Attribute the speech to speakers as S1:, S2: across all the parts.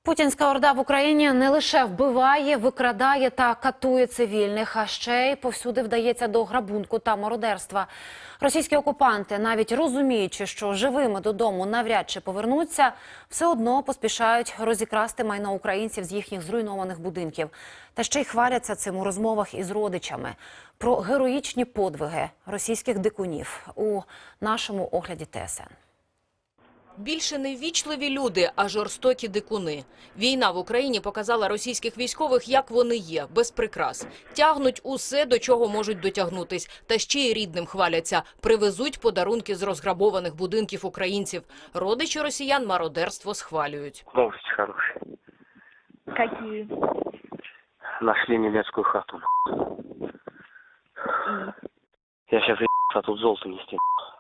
S1: Путінська орда в Україні не лише вбиває, викрадає та катує цивільних, а ще й повсюди вдається до грабунку та мародерства. Російські окупанти, навіть розуміючи, що живими додому навряд чи повернуться, все одно поспішають розікрасти майно українців з їхніх зруйнованих будинків. Та ще й хваляться цим у розмовах із родичами. Про героїчні подвиги російських дикунів у нашому огляді ТСН.
S2: Більше не ввічливі люди, а жорстокі дикуни. Війна в Україні показала російських військових, як вони є, без прикрас. Тягнуть усе, до чого можуть дотягнутись. Та ще й рідним хваляться. Привезуть подарунки з розграбованих будинків українців. Родичі росіян мародерство схвалюють.
S3: Новости хорошие.
S4: Какие?
S3: Нашли немецкую хату. Я сейчас а тут золото нести.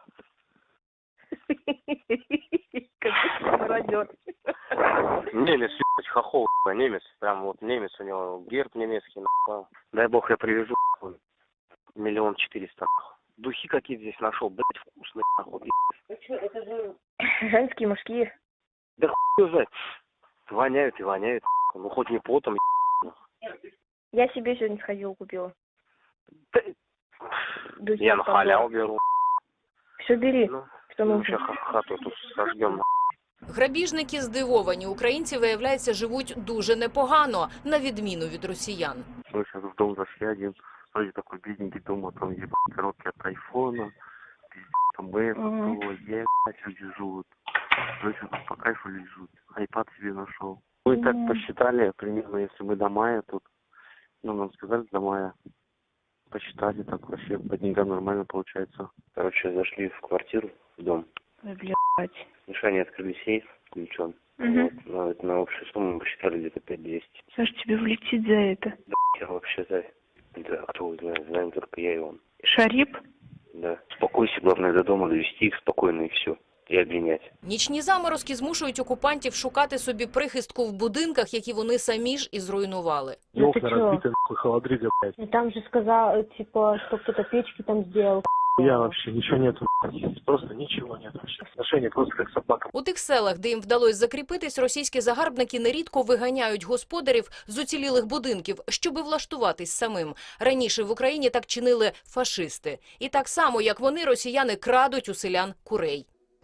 S4: Какой мародер.
S3: Немец, хохол, немец. Прям вот немец, у него герб немецкий. Дай бог я привезу. 1 400 000. Духи какие-то здесь нашел, блять, вкусные.
S4: Это же женские, мужские.
S3: Да хуй знает. Воняют и воняют. Ну хоть не потом.
S4: Я себе сегодня сходила, купила.
S3: Да...
S4: Духи
S3: Я на халяву беру.
S4: Все бери,
S3: Ну,
S4: что
S3: ну
S4: нужно.
S3: сейчас хату тут сожгем.
S2: Грабіжники здивовані. Українці, виявляється, живуть дуже непогано, на відміну від росіян.
S5: Мы сейчас в дом зашли, один вроде такой бедненький дом, а там ебать коробки от айфона, пиздец, там Apple, ебать, люди живут. Короче, тут по кайфу лежут, айпад себе нашел. Мы так посчитали, примерно, если мы до мая тут, ну, нам сказали до мая, посчитали, так вообще по деньгам нормально получается.
S3: Короче, зашли в квартиру, в дом.
S4: Ой, блядь.
S3: Мишане открыли сейф ключом.
S4: Мгм.
S3: Вот, на общую сумму мы посчитали где-то 5200.
S4: Саш, тебе влетит за это.
S3: Да, я вообще за... Да, кто его знает, знаем только я и он.
S4: Шарип?
S3: Да. Успокойся, главное до дома довести их спокойно и все. И обвинять.
S2: Нічні заморозки змушують окупантів шукати собі прихистку в будинках, які вони самі ж і зруйнували.
S4: Ну ты чё?
S5: нахуй, холодрыга, блядь.
S4: И там же сказал, типа, что кто-то печки там сделал.
S5: Я вообще ничего нету, блядь. Просто ничего нет вообще. Отношения просто как собака.
S2: У тих селах, де їм вдалося закріпитись, російські загарбники нерідко виганяють господарів з уцілілих будинків, щоби влаштуватись самим. Раніше в Україні так чинили фашисти. І так само, як вони, росіяни крадуть у селян курей.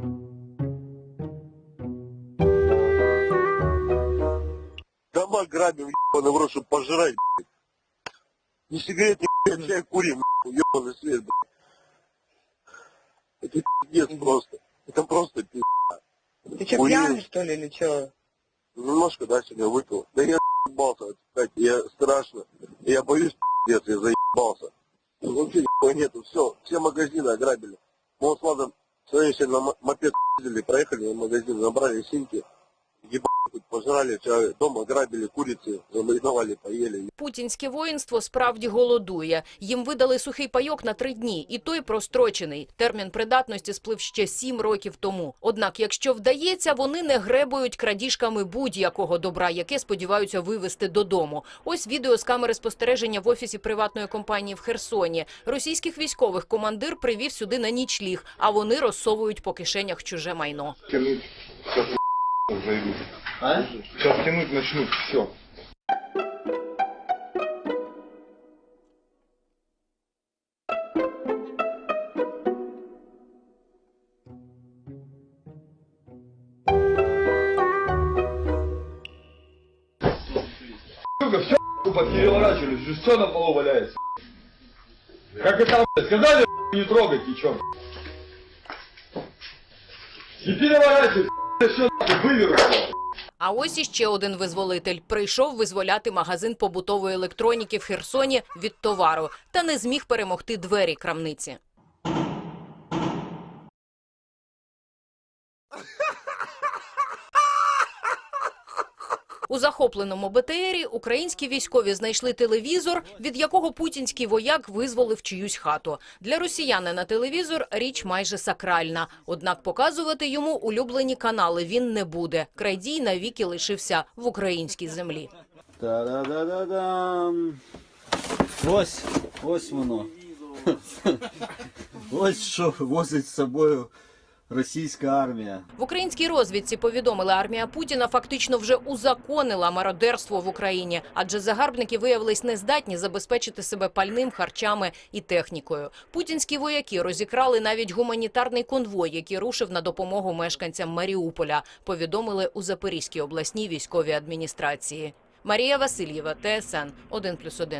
S6: Дома грабим, ебаный в рот, чтобы пожрать, блядь. Ни сигарет, ни чай курим, ебаный свет, блядь. Это пиздец просто. Это просто пиздец.
S7: Ты что, пьяный, что ли, или что?
S6: Немножко, да, сегодня выпил. Да я заебался, кстати, я страшно. Я боюсь, пиздец, я заебался. Вообще нихуя нету, все магазины ограбили. Мы вот с Владом сегодня на мопед ездили, проехали в магазин, набрали синьки. Ебать, пожрали, все, дома грабили, курицы, замариновали, поели.
S2: Путінське воїнство справді голодує. Їм видали сухий пайок на 3 дні, і той прострочений. Термін придатності сплив ще 7 років тому. Однак, якщо вдається, вони не гребують крадіжками будь-якого добра, яке сподіваються вивезти додому. Ось відео з камери спостереження в офісі приватної компанії в Херсоні. Російських військових командир привів сюди на нічліг, а вони розсовують по кишенях чуже майно.
S8: Сейчас тянуть начнут, все. Сука, все переворачивались, уже все на полу валяется. Как это, сказали, не трогать ничего. И переворачивать, все вывернуть.
S2: А ось іще один визволитель. Прийшов визволяти магазин побутової електроніки в Херсоні від товару. Та не зміг перемогти двері крамниці. У захопленому БТРі українські військові знайшли телевізор, від якого путінський вояк визволив чиюсь хату. Для росіянина телевізор – річ майже сакральна. Однак показувати йому улюблені канали він не буде. Крадій навіки лишився в українській землі.
S9: Та-да-да-да-дам. Ось воно. Ось що возить з собою російська армія.
S2: В українській розвідці повідомили, армія Путіна фактично вже узаконила мародерство в Україні, адже загарбники виявились нездатні забезпечити себе пальним, харчами і технікою. Путінські вояки розікрали навіть гуманітарний конвой, який рушив на допомогу мешканцям Маріуполя, повідомили у Запорізькій обласній військовій адміністрації. Марія Васильєва, ТСН 1+1.